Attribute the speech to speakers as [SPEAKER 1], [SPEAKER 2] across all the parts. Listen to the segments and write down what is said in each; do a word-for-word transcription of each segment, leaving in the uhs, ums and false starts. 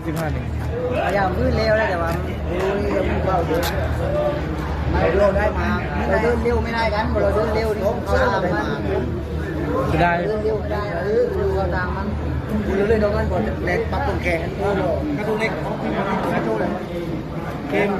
[SPEAKER 1] สิบห้าหนึ่ง
[SPEAKER 2] พยายามพื้นเร็วแล้วแต่ว่าโอ้ยยังเบาอยู่เราเร็วได้มาเราเดินเร็วไม่ได้กันเราเดินเร็วนี่เขาตามมัน
[SPEAKER 1] จะได้
[SPEAKER 2] เดินเร็วไม่ได้เออเขาตามมันคุณเรื่อยๆโดนกันก่อนเล็กปักตรงแขนกระตุ้นเล็กกระตุ้นเลยเกม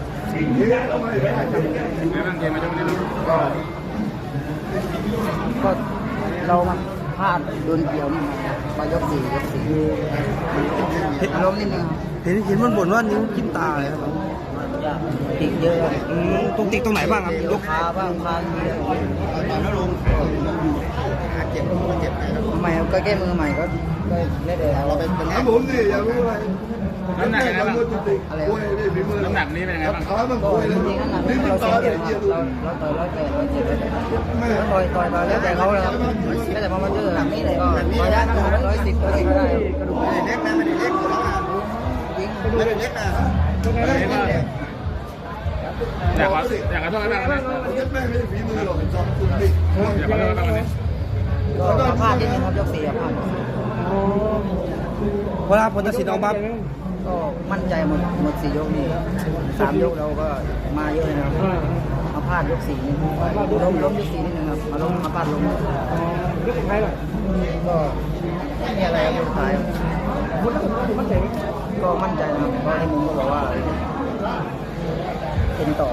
[SPEAKER 2] ก็เรามาพลาดโดนเกี่ยวนี่มายกสี่ยกสี่อารมณ์นิดนึง
[SPEAKER 1] เห็นเห็นมันบ่นว่านิ้วจิ้มตาเลยครับ
[SPEAKER 2] ติดเยอะ
[SPEAKER 1] ตรงติดตรงไหนบ้างครับ
[SPEAKER 2] ยกขาบ้างขาเยอะตอนนั้นลงเจ็บเจ็บใหม่ก็แก้มือใหม่ก็ก็เล่นเลยเราเป็น
[SPEAKER 3] ถามผมสิอยากรู้อะไร
[SPEAKER 4] น้ำหนักอะไรบ้าง
[SPEAKER 2] อะไร
[SPEAKER 4] น้ำหนักนี้เป็นยังไงบ้าง
[SPEAKER 3] ขามันป่วยเลย
[SPEAKER 2] นี่เราเสียเปรียบเราเราต่อยร้อยแปดร้อยเจ็ดต่อยต่อยต่อยแล้วแต่เขาเลยครับแล้วแต่พอมาเจอหลังนี้เลยก็ต่อยได้ร้อยสิบร้อยสิบก็ได้กระดูกไม่ได้เล็กนะไม่ได้เล็กยิงไม่ได้เล็กนะ
[SPEAKER 4] อยากว่าอยากกระทบอะไรบ้างนะ
[SPEAKER 3] แม่ไม่ได้ฝีมือหรอกจอมคุณดิ
[SPEAKER 4] อยากกระทบอะไรบ้างวันนี้
[SPEAKER 2] ก็พลาดนิดนึงครับยกสี่พลาด
[SPEAKER 1] เวลาผลตัดสินออกมา
[SPEAKER 2] ก็มั่นใจหมดหมดสี่ยกนี่สามยกเราก็มาเยอะนะครับมาพลาดยกสี่นี่ล้มล้มยกสี่นิดนึงครับมาล้มมาพลาดล้ม
[SPEAKER 1] ยกสุดท้ายล่ะ
[SPEAKER 2] ก็ไม่มีอะไรครับสุดท้ายมั่นใจก็มั่นใจนะครับเพราะที่มุมก็บอกว่าเป็นต่อ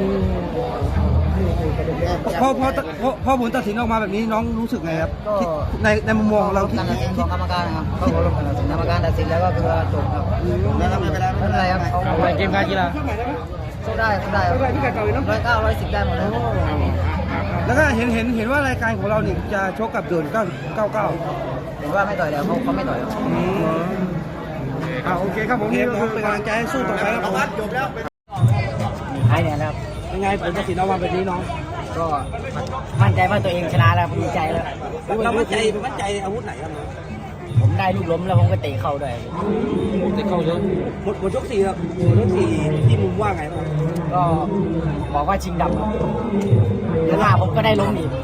[SPEAKER 1] พอพอพอพอผลตัดสินออกมาแบบนี้น้องรู้สึกไงครับในในมุมมองเรา
[SPEAKER 2] คิดของกรรมการนะครับเขาบอกกรรมการตัดสินแล้วก็คือว่าจบครับไม่เป็นไรไม่เป็นไรครับเขา
[SPEAKER 1] ไปเกมการกีฬา
[SPEAKER 2] สู้ได้สู้ได้ร้อยเก้าร้อยสิบได้หมดเลย
[SPEAKER 1] แล้วก็เห็นเห็นเห็นว่ารายการของเราเนี่ยจะชกกับเดินเก้าเก้าเก้า
[SPEAKER 2] เห็นว่าไม่ต่อยแล้วเขาเขาไม่ต่อยแล้ว
[SPEAKER 1] อ่าโอเคครับผมนี่ก็เป็นกำลังใจให้สู้ต่อไปครับผม
[SPEAKER 2] จบแล้วใช่เนี่ยครับ
[SPEAKER 1] ยังไงผลตัดสินออกมาแบบนี้น้อง
[SPEAKER 2] ก็มั่นใจว่าตัวเองชนะแล้วดีใจแล้ว
[SPEAKER 1] เรามั่นใจมั่นใจอาวุธไหนครับ
[SPEAKER 2] ผมได้ลูกล้มแล้วผมก็เตะเข้าด้วย
[SPEAKER 1] เตะเข้าเยอะหมดหมดยกสี่ครับหมดยกสี่ที่มุมว่าไงบ้าง
[SPEAKER 2] ก็บอกว่าชิงดำแล้วหน้าผมก็ได้ล้มอีก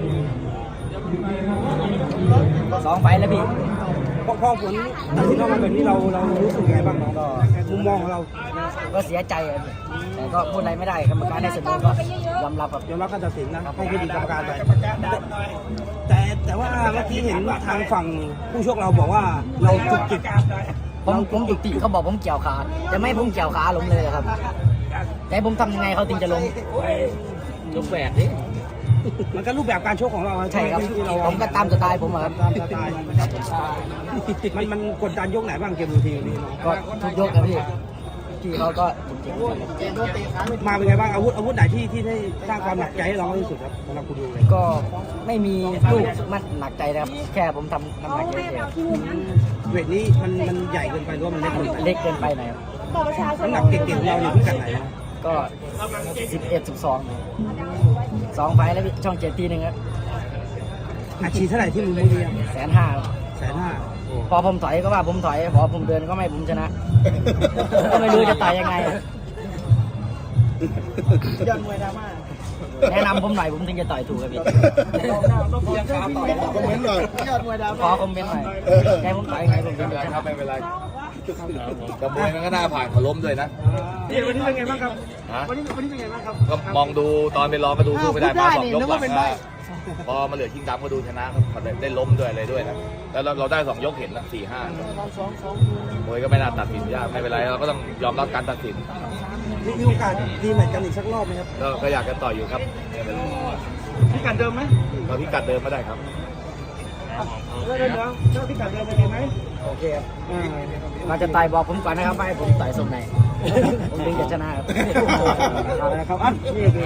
[SPEAKER 2] สองไฟแล้วพี่
[SPEAKER 1] พอผลตัดสินออกมาแบบนี้เราเรารู้สึกยังไงบ้างน้องก็มุมมองของเรา
[SPEAKER 2] ก็เสียใจแต่ก็พูดอะไรไม่ได้กรรมการได้เสมอก็ยอมรับครับ
[SPEAKER 1] ยอมรับการตัดสินนะให้เครดิตกรรมการไปแต่แต่ว่าเมื่อกี้เห็นทางฝั่งผู้ชกเราบอกว่าเราจุกจิก
[SPEAKER 2] ผมผมจุกจิกเขาบอกผมเกี่ยวขาจะไม่ผมเกี่ยวขาล้มเลยครับแต่ผมทำยังไงเขาถึงจะล้ม
[SPEAKER 1] ยกแหวนดิมันก็รูปแบบการชกของเรา
[SPEAKER 2] ใช่ครับผมก็ตามสไตล์ผมครับ
[SPEAKER 1] ตามสไตล์มันมันกดดันยกไหนบ้างเกมทีนี้
[SPEAKER 2] ก็ทุกยกครับพี่ที่เขาก็
[SPEAKER 1] มาเป็นไงบ้างอาวุธอาวุธไหนที่ที่ได้สร้างความหนักใจให้เราที่สุดครับสำหรับคุณดูเลย
[SPEAKER 2] ก็ไม่มีลูกมันหนักใจนะครับแค่ผมทำน้ำหนักเยอะ
[SPEAKER 1] ๆเวทนี้มันมันใหญ่เกินไปหรือว่ามันเล็กเกินไป
[SPEAKER 2] เล็กเกินไปหน่อยครับ
[SPEAKER 1] น้ำหนักเก่งๆเราอยู่ที่กันไหน
[SPEAKER 2] ก็สิบเอ็ดสิบสองสองไฟแล้วช่องเจ็ดทีหนึ่งครับ
[SPEAKER 1] อาชีพเท่าไหร่ที่มึงไม่ดี
[SPEAKER 2] แสนห้า
[SPEAKER 1] แสนห้า
[SPEAKER 2] พอผมถอยก็ว่าผมถอยพอผมเดินก็ไม่ผมชนะก็ไม่รู้จะตายยังไงยอดมวยดราม่าแนะนำผมหน่อยผมถึงจะต่อยถูกครับพี่
[SPEAKER 3] คอมเมนต์หน่อย
[SPEAKER 2] ยอดมวยดราม่าขอคอมเมนต์หน่อยให้ผมต่อยยังไงผมถึงจะชนะ
[SPEAKER 4] ไม่เป็นไรกระบวยมันก็น่าผ่านเขาล้มด้วยนะ
[SPEAKER 1] วันนี้เป็นไงบ้างครับวันนี้วันนี้เป็นไงบ้างครับ
[SPEAKER 4] ก็มองดูตอนไปร้องก็ดูสู้ไม่ได้มาสองยกหลังพอมาเหลือชิงดำก็ดูชนะครับได้ล้มด้วยอะไรด้วยนะแล้วเราได้สองยกเห็นนะสี่ห้ามวยก็ไม่น่าตัดสินยากไม่เป็นไรเราก็ต้องยอมรับการตัดสิน
[SPEAKER 1] มีโอกาสดีเหมือนกันอีกสักรอบไหมครับ
[SPEAKER 4] ก็อยากจะต่ออยู่ครับ
[SPEAKER 1] พิกัดเดิมไหม
[SPEAKER 4] ก็พิกัดเดิมไม่ได้ครับ
[SPEAKER 1] เดี๋ยวเดี๋ยวพิกัดเดิมเป็นไงไหม
[SPEAKER 2] โอเคครับมาจะตายบอกผมก่อนนะครับให้ผมต่อยทรงไหนผมถึงจะชนะครับ
[SPEAKER 1] ครับอ่ะนี่คือ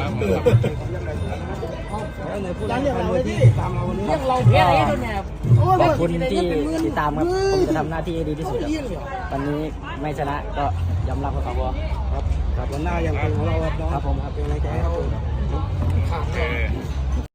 [SPEAKER 1] ยังเราที่ตามเราวันนี้
[SPEAKER 2] เราเพี้ยอะไรตัวเนี่ยขอบคุณที่ติดตามครับผมจะทำหน้าที่ดีที่สุดวันนี้ไม่ชนะก็ยอมรับครับ
[SPEAKER 1] ครับครับวันหน้ายังเป็นของเราครับผมครับเป็นอะไรใจครับ